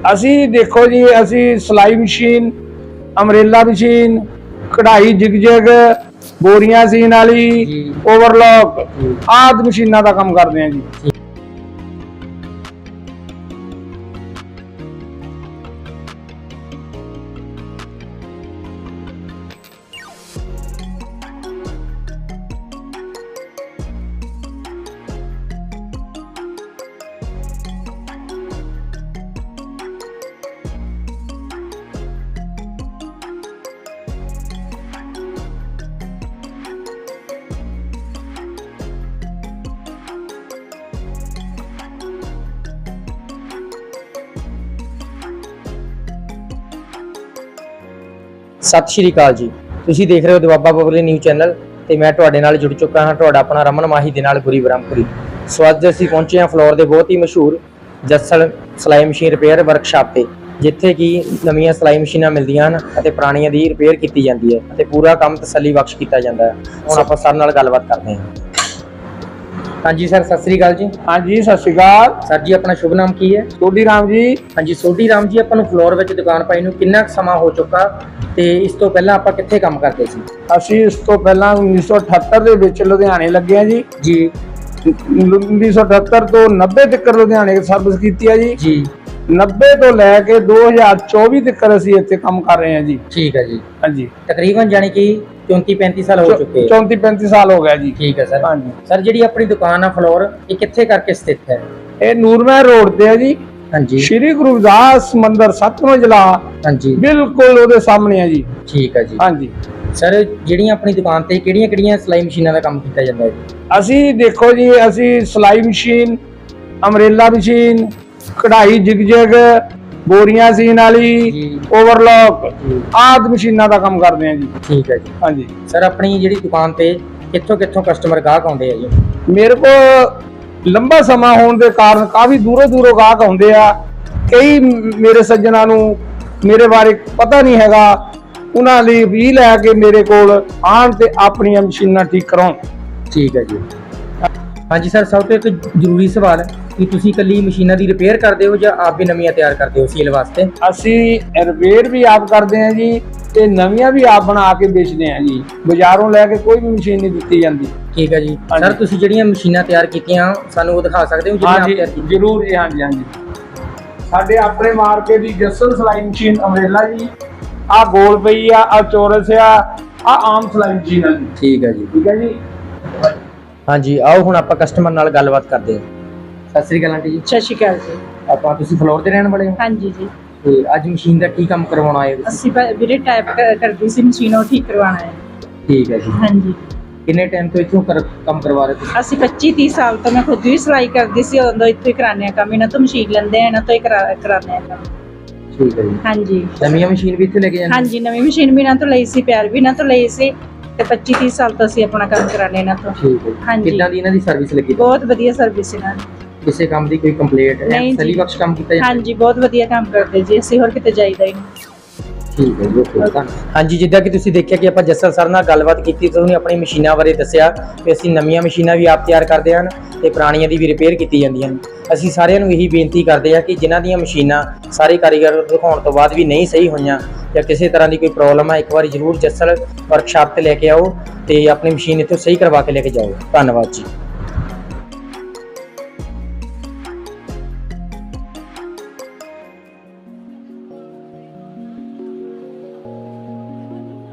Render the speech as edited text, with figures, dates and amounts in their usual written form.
ਅਸੀਂ ਦੇਖੋ ਜੀ, ਅਸੀਂ ਸਿਲਾਈ ਮਸ਼ੀਨ, ਅਮਰੇਲਾ ਮਸ਼ੀਨ, ਕਢਾਈ ਜਿਗ ਬੋਰੀਆਂ ਸੀਨ ਵਾਲੀ, ਓਵਰਲੌਕ ਆਦਿ ਮਸ਼ੀਨਾਂ ਦਾ ਕੰਮ ਕਰਦੇ ਹਾਂ ਜੀ। सत श्री अकाल जी, तुसीं देख रहे हो दुआबा पब्लिक न्यूज़ चैनल ਤੇ ਮੈਂ ਤੁਹਾਡੇ ਨਾਲ ਜੁੜ ਚੁੱਕਾ ਹਾਂ ਤੁਹਾਡਾ ਆਪਣਾ ਰਮਨ ਮਾਹੀ ਦੇ ਨਾਲ ਗੁਰੀ ਬ੍ਰਹਮਪੁਰੀ। ਸੋ ਅੱਜ ਅਸੀਂ ਪਹੁੰਚੇ ਹਾਂ ਫਲੋਰ ਦੇ ਬਹੁਤ ਹੀ ਮਸ਼ਹੂਰ ਜੱਸਲ ਸਿਲਾਈ ਮਸ਼ੀਨ ਰਿਪੇਅਰ ਵਰਕਸ਼ਾਪ ਤੇ, ਜਿੱਥੇ ਕਿ ਨਵੀਆਂ ਸਿਲਾਈ ਮਸ਼ੀਨਾਂ ਮਿਲਦੀਆਂ ਹਨ ਅਤੇ ਪੁਰਾਣੀਆਂ ਦੀ ਰਿਪੇਅਰ ਕੀਤੀ ਜਾਂਦੀ ਹੈ ਅਤੇ ਪੂਰਾ ਕੰਮ ਤਸੱਲੀ ਬਖਸ਼ ਕੀਤਾ ਜਾਂਦਾ ਹੈ। ਹੁਣ ਆਪਾਂ ਸਰ ਨਾਲ ਗੱਲਬਾਤ ਕਰਦੇ ਹਾਂ। ਹਾਂਜੀ ਸਰ, ਸਤਿ ਸ੍ਰੀ ਅਕਾਲ ਜੀ। ਹਾਂਜੀ, ਸਤਿ ਸ਼੍ਰੀ ਅਕਾਲ ਸਰ ਜੀ, ਆਪਣਾ ਸ਼ੁਭ ਨਾਮ ਕੀ ਹੈ? ਸੋਢੀ ਰਾਮ ਜੀ। ਹਾਂਜੀ ਸੋਢੀ ਰਾਮ ਜੀ, ਆਪਾਂ ਨੂੰ ਫਲੋਰ ਵਿੱਚ ਦੁਕਾਨ ਪਾਈ ਨੂੰ ਕਿੰਨਾ ਕੁ ਸਮਾਂ ਹੋ ਚੁੱਕਾ ਤੇ ਇਸ ਤੋਂ ਪਹਿਲਾਂ ਆਪਾਂ ਕਿੱਥੇ ਕੰਮ ਕਰਦੇ ਸੀ? ਅਸੀਂ ਇਸ ਤੋਂ ਪਹਿਲਾਂ 1978 ਦੇ ਵਿੱਚ ਲੁਧਿਆਣੇ ਲੱਗੇ ਆ ਜੀ। 1978 ਤੋਂ 90 ਤੱਕ ਲੁਧਿਆਣੇ ਸਰਵਿਸ ਕੀਤੀ ਹੈ ਜੀ। 90 ਤੋਂ ਲੈ ਕੇ 2024 ਤੱਕ ਅਸੀਂ ਇੱਥੇ ਕੰਮ ਕਰ ਰਹੇ ਹਾਂ ਜੀ। ਠੀਕ ਹੈ ਜੀ। ਹਾਂਜੀ, ਤਕਰੀਬਨ ਜਾਨੀ ਕਿ 34-35 ਸਾਲ ਹੋ ਚੁੱਕੇ। 34-35 ਸਾਲ ਹੋ ਗਿਆ ਜੀ। ਠੀਕ ਹੈ ਸਰ। ਹਾਂਜੀ ਸਰ, ਜਿਹੜੀ ਆਪਣੀ ਦੁਕਾਨ ਆ ਫਲੋਰ, ਇਹ ਕਿੱਥੇ ਕਰਕੇ ਸਥਿਤ ਹੈ? ਇਹ ਨੂਰਮਹਿਰ ਰੋਡ ਤੇ ਹੈ ਜੀ। ਹਾਂਜੀ, ਸ਼੍ਰੀ ਗੁਰੂ ਰਵਿਦਾਸ ਮੰਦਿਰ 7 ਮੰਜ਼ਿਲਾ, ਹਾਂਜੀ ਬਿਲਕੁਲ ਉਹਦੇ ਸਾਹਮਣੇ ਹੈ ਜੀ। ਠੀਕ ਹੈ ਜੀ। ਹਾਂਜੀ ਸਰ, ਜਿਹੜੀਆਂ ਆਪਣੀ ਦੁਕਾਨ ਤੇ ਕਿਹੜੀਆਂ ਸਿਲਾਈ ਮਸ਼ੀਨਾਂ ਦਾ ਕੰਮ ਕੀਤਾ ਜਾਂਦਾ ਹੈ? ਅਸੀਂ ਦੇਖੋ ਜੀ, ਅਸੀਂ ਸਿਲਾਈ ਮਸ਼ੀਨ, ਅਮਰੇਲਾ ਮਸ਼ੀਨ, ਕਢਾਈ ਜਿਗ ਬੋਰੀਆਂ ਸੀਨ ਵਾਲੀ, ਓਵਰਲੌਕ ਆਦਿ ਮਸ਼ੀਨਾਂ ਦਾ ਕੰਮ ਕਰਦੇ ਹਾਂ ਜੀ। ਠੀਕ ਹੈ ਜੀ। ਹਾਂਜੀ ਸਰ, ਆਪਣੀ ਜਿਹੜੀ ਦੁਕਾਨ ਤੇ ਕਿੱਥੋਂ ਕਸਟਮਰ ਗਾਹਕ ਆਉਂਦੇ ਆ ਜੀ? ਮੇਰੇ ਕੋਲ ਲੰਬਾ ਸਮਾਂ ਹੋਣ ਦੇ ਕਾਰਨ ਕਾਫੀ ਦੂਰੋਂ ਗਾਹਕ ਆਉਂਦੇ ਆ। ਕਈ ਮੇਰੇ ਸੱਜਣਾਂ ਨੂੰ ਮੇਰੇ ਬਾਰੇ ਪਤਾ ਨਹੀਂ ਹੈਗਾ, ਉਹਨਾਂ ਲਈ ਵੀ ਲੈ ਕੇ ਮੇਰੇ ਕੋਲ ਆਉਣ ਤੇ ਆਪਣੀਆਂ ਮਸ਼ੀਨਾਂ ਠੀਕ ਕਰਾਉਣ। ਠੀਕ ਹੈ ਜੀ। ਹਾਂਜੀ ਸਰ, ਸਭ ਤੋਂ ਇੱਕ ਜ਼ਰੂਰੀ ਸਵਾਲ ਕਿ ਤੁਸੀਂ ਇਕੱਲੀ ਮਸ਼ੀਨਾਂ ਦੀ ਰਿਪੇਅਰ ਕਰਦੇ ਹੋ ਜਾਂ ਆਪ ਵੀ ਨਵੀਆਂ ਤਿਆਰ ਕਰਦੇ ਹੋ ਸੇਲ ਵਾਸਤੇ? ਅਸੀਂ ਰਿਪੇਅਰ ਵੀ ਆਪ ਕਰਦੇ ਹਾਂ ਜੀ ਤੇ ਨਵੀਆਂ ਵੀ ਆਪ ਬਣਾ ਕੇ ਵੇਚਦੇ ਹਾਂ ਜੀ। ਬਾਜ਼ਾਰੋਂ ਲੈ ਕੇ ਕੋਈ ਵੀ ਮਸ਼ੀਨ ਨਹੀਂ ਦਿੱਤੀ ਜਾਂਦੀ। ਠੀਕ ਹੈ ਜੀ। ਸਰ, ਤੁਸੀਂ ਜਿਹੜੀਆਂ ਮਸ਼ੀਨਾਂ ਤਿਆਰ ਕੀਤੀਆਂ ਸਾਨੂੰ ਉਹ ਦਿਖਾ ਸਕਦੇ ਹੋ? ਹਾਂਜੀ ਜ਼ਰੂਰ ਜੀ। ਹਾਂਜੀ ਹਾਂਜੀ, ਸਾਡੇ ਆਪਣੇ ਮਾਰਕੇ ਦੀ ਜੱਸਲ ਸਿਲਾਈ ਮਸ਼ੀਨ ਅਮਰੇਲਾ ਜੀ, ਆ ਗੋਲ ਪਈ ਆ ਚੌਰਸ ਆ ਆਮ ਸਿਲਾਈ ਮਸ਼ੀਨ ਆ ਜੀ। ਠੀਕ ਹੈ ਜੀ। ਠੀਕ ਹੈ ਜੀ। ਹਾਂਜੀ, ਆਓ ਹੁਣ ਆਪਾਂ ਕਸਟਮਰ ਨਾਲ ਗੱਲਬਾਤ ਕਰਦੇ ਹਾਂ। ਸਤਿ ਸ੍ਰੀ ਅਕਾਲ ਆਂਟੀ ਜੀ। ਸਤਿ ਸ਼੍ਰੀ ਅਕਾਲ ਜੀ। ਤੁਸੀਂ ਫਲੋਰ ਦੇ ਰਹਿਣ ਵਾਲੇ ਹੋ? ਹਾਂਜੀ ਜੀ। ਤੇ ਅੱਜ ਮਸ਼ੀਨ ਦਾ ਕੀ ਕੰਮ ਕਰਵਾਉਣਾ ਆਏ ਹੋ? ਅਸੀਂ ਵੀਰੇ ਟਾਈਪ ਕਰਦੀ ਸੀ ਮਸ਼ੀਨ, ਉਹ ਠੀਕ ਕਰਵਾਉਣਾ ਹੈ। ਠੀਕ ਹੈ ਜੀ। ਹਾਂਜੀ। ਕਿੰਨੇ ਟਾਈਮ ਤੋਂ ਇੱਥੋਂ ਕੰਮ ਕਰਵਾ ਰਹੇ ਤੁਸੀਂ? ਅਸੀਂ 25-30 ਸਾਲ ਤੋਂ, ਮੈਂ ਖੁਦ ਵੀ ਸਿਲਾਈ ਕਰਦੀ ਸੀ, ਉਦੋਂ ਇੱਥੋਂ ਹੀ ਕਰਾਉਂਦੇ ਆ ਕੰਮ। ਇਹਨਾਂ ਤੋਂ ਮਸ਼ੀਨ ਲੈਂਦੇ ਆ, ਇਹਨਾਂ ਤੋਂ ਹੀ ਕਰਾਉਂਦੇ ਆ ਕੰਮ। ਠੀਕ ਹੈ ਜੀ। ਹਾਂਜੀ। ਨਵੀਂ ਮਸ਼ੀਨ ਵੀ ਇੱਥੇ ਲੈ ਕੇ ਜਾਂਦੇ? ਹਾਂਜੀ, ਨਵੀਂ ਮਸ਼ੀਨ ਵੀ ਇਹਨਾਂ ਤੋਂ ਲਈ ਸੀ, ਪਿਆਰ ਵੀ ਇਹਨਾਂ ਤੋਂ ਲਈ ਸੀ ਤੇ 25-30 ਸਾਲ ਤੋਂ ਅਸੀਂ ਆਪਣਾ ਕੰਮ ਕਰਾਉਂਦੇ ਇਹਨਾਂ ਤੋਂ। ਠੀਕ ਹੈ। ਹਾਂਜੀ। ਕਿੱਦਾਂ ਦੀ ਇਹਨਾਂ ਦੀ ਸਰਵਿਸ ਲੱਗੀ? ਬਹੁਤ ਵਧੀਆ ਸਰਵਿਸ ਇਹਨਾਂ ਦੀ। ਕਿਸੇ ਕੰਮ ਦੀ ਕੋਈ ਕੰਪਲੇਂਟ ਹੈ? ਨਹੀਂ ਤਸੱਲੀ ਜੀ। ਬਖਸ਼ ਕੰਮ ਕੀਤਾ ਜਾਂਦਾ? ਹਾਂਜੀ, ਬਹੁਤ ਵਧੀਆ ਕੰਮ ਕਰਦੇ ਜੀ, ਅਸੀਂ ਹੋਰ ਕਿਤੇ ਜਾਈਦਾ ਹੀ ਨਹੀਂ। ਠੀਕ ਹੈ ਜੀ। ਹਾਂਜੀ, ਜਿੱਦਾਂ ਕਿ ਤੁਸੀਂ ਦੇਖਿਆ ਕਿ ਆਪਾਂ ਜੱਸਲ ਸਰ ਨਾਲ ਗੱਲਬਾਤ ਕੀਤੀ ਤੇ ਉਹਨੇ ਆਪਣੀ ਮਸ਼ੀਨਾਂ ਬਾਰੇ ਦੱਸਿਆ ਕਿ ਅਸੀਂ ਨਵੀਆਂ ਮਸ਼ੀਨਾਂ ਵੀ ਆਪ ਤਿਆਰ ਕਰਦੇ ਹਨ ਤੇ ਪੁਰਾਣੀਆਂ ਦੀ ਵੀ ਰਿਪੇਅਰ ਕੀਤੀ ਜਾਂਦੀਆਂ ਹਨ। ਅਸੀਂ ਸਾਰਿਆਂ ਨੂੰ ਇਹੀ ਬੇਨਤੀ ਕਰਦੇ ਹਾਂ ਕਿ ਜਿਨ੍ਹਾਂ ਦੀਆਂ ਮਸ਼ੀਨਾਂ ਸਾਰੇ ਕਾਰੀਗਰ ਦਿਖਾਉਣ ਤੋਂ ਬਾਅਦ ਵੀ ਨਹੀਂ ਸਹੀ ਹੋਈਆਂ ਜਾਂ ਕਿਸੇ ਤਰ੍ਹਾਂ ਦੀ ਕੋਈ ਪ੍ਰੋਬਲਮ ਹੈ, ਇੱਕ ਵਾਰੀ ਜ਼ਰੂਰ ਜੱਸਲ ਵਰਕਸ਼ਾਪ ਤੇ ਲੈ ਕੇ ਆਓ ਤੇ ਆਪਣੀ ਮਸ਼ੀਨ ਇੱਥੋਂ ਸਹੀ ਕਰਵਾ ਕੇ ਲੈ ਕੇ ਜਾਓ। ਧੰਨਵਾਦ ਜੀ।